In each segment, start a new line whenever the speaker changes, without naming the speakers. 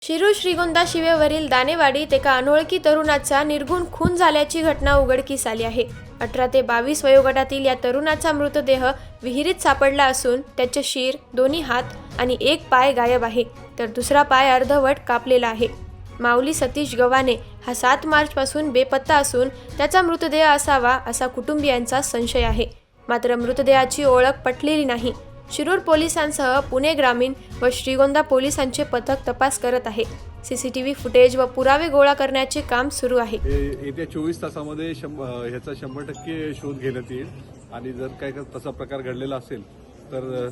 शिरूर श्रीगोंदा शिवेवरील दानेवाडीत एका अनोळखी तरुणाचा निर्घुण खून झाल्याची घटना उघडकीस आली आहे। 18 ते 22 वयोगटातील या तरुणाचा मृतदेह विहिरीत सापडला असून त्याचे शिर, दोन्ही हात आणि एक पाय गायब आहे, तर दुसरा पाय अर्धवट कापलेला आहे। माऊली सतीश गव्हाणे हा 7 मार्चपासून बेपत्ता असून त्याचा मृतदेह असावा असा कुटुंबियांचा संशय आहे। मात्र मृतदेहाची ओळख पटलेली नाही। शिरूर पोलिसांसह पुणे ग्रामीण व श्रीगोंदा पोलिसांचे पथक तपास करत आहे। सीसीटीव्ही फुटेज व पुरावे गोळा करण्याचे काम सुरू आहे।
येत्या 24 तासामध्ये ह्याचा 100% शोध घेण्यात येईल आणि जर काही तसा प्रकार घडलेला असेल तर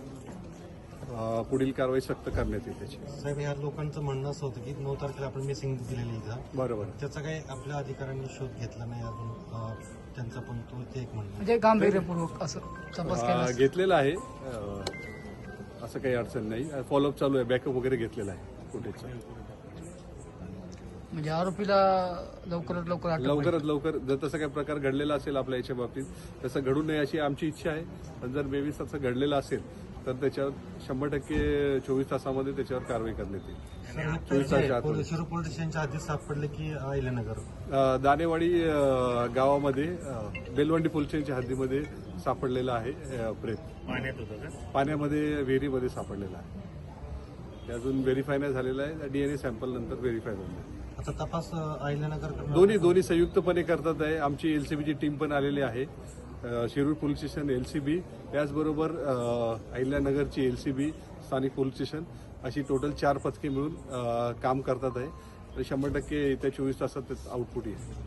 पुढील कारवाई सक्त करण्यात येईल त्याची।
साहेब, या लोकांचं म्हणणं असं होतं की 9 तारखेला आपण मिसिंग दिलेली इथं,
बरोबर,
त्याचा काही आपल्या अधिकाऱ्यांनी शोध घेतला नाही अजून, त्यांचा पण तो ते एक म्हणणं
म्हणजे गांभीर्यपूर्वक असं तपास केला
घेतलेला आहे, असं काही अडचण नाही। फॉलोअप चालू आहे, बॅकअप वगैरे घेतलेला आहे फुटेजचा।
म्हणजे आरोपीला लवकरात लवकर अटक होईल.
लवकरात लवकर जर तसा काही प्रकार घडलेला असेल आपल्या याच्या बाबतीत तसं घडू नये अशी आमची इच्छा आहे। पण जर 22 तसं घडलेलं असेल तर त्याच्यावर 100% 24 तासामध्ये त्याच्यावर कारवाई करण्यात येईल। 24 तासाच्या आत
शिरूर पोलीस स्टेशनच्या हद्दीत सापडले की अहिल्यानगर
दानेवाडी गावामध्ये बेलवंडी पोलीस स्टेशनच्या हद्दीमध्ये सापडलेला आहे प्रेत।
पाण्यात होतं का?
पाण्यामध्ये विहिरीमध्ये सापडलेला आहे। ते अजून व्हेरीफाय नाही झालेला आहे, डीएनए सॅम्पल नंतर व्हेरीफाय होईल।
आता तपास अहिल्यानगर
दोन्ही संयुक्तपणे करतात आहे। आमची एलसीबीची टीम पण आलेली आहे, शिरूर पोलीस स्टेशन एलसीबी, त्याचबरोबर अहिल्यानगरची एलसीबी, स्थानिक पोलीस स्टेशन अशी टोटल 4 पथके मिळून काम करतात आहे। 100% येत्या 24 तासात आउटपुट येईल।